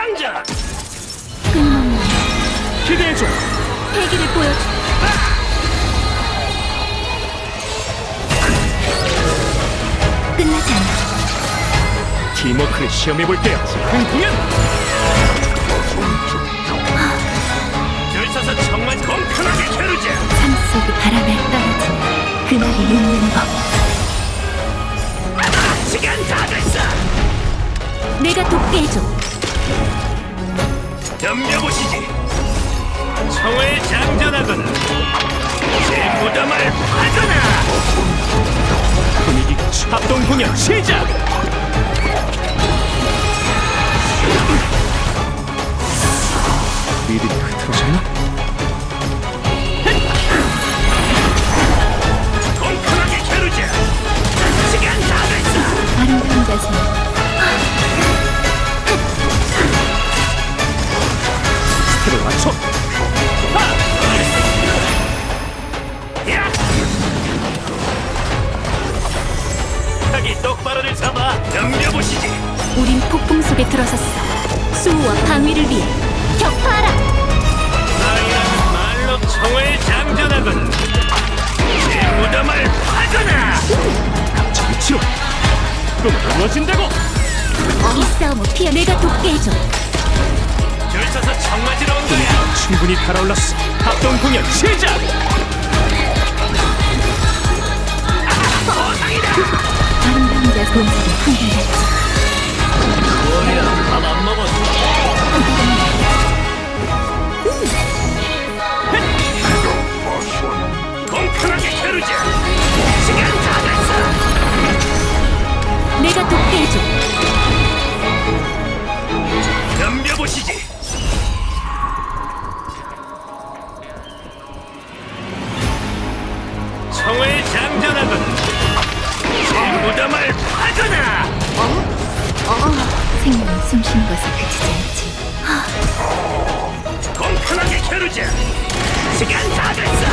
장전! 끊임없는 기대해줘! 패기를 보여줘. 끝나지 않아. 팀워크를 시험해볼게요. 큰 공연! 줄 서서 정말 공평하게 겨루자! 삶 속의 바람에 떨어지는 그날이 있는 법. 시간 다 됐어! 내가 돕게 해줘. 덤벼보시지! 청을 장전하거나 제 무덤을 파거나! 분위기 합동 공연 시작! 리듬이 흐트러졌나? 공평하게 겨루자! 시간 다 됐어! 아름다운 자세. 스텝을 맞춰! 타기 똑바로를 잡아! 덤벼보시지! 우린 폭풍 속에 들어섰어. 수호와 방위를 위해 격파하라. 나이라는 말로 총을 장전하거나 제 무덤을 파거나! 갑자기 치러! 꿈은 이루어진다고! 이 싸움을 피해 내가 돕게 해줘. 줄 서서 청 맞으러 온 거야! 충분히 달아올랐어! 합동 공연 시작! 아름다운 자세 본색에 한결같이. 뭐야, 밥 안 먹었어? 공평하게 겨루자! 시간 다 됐어! 내가 돕게 해줘. 덤벼보시지! 총을 장전하거나 제 무덤을 파거나! 생명은 숨쉬는 것에 그치지 않지. 공평하게 겨루자! 시간 다 됐어!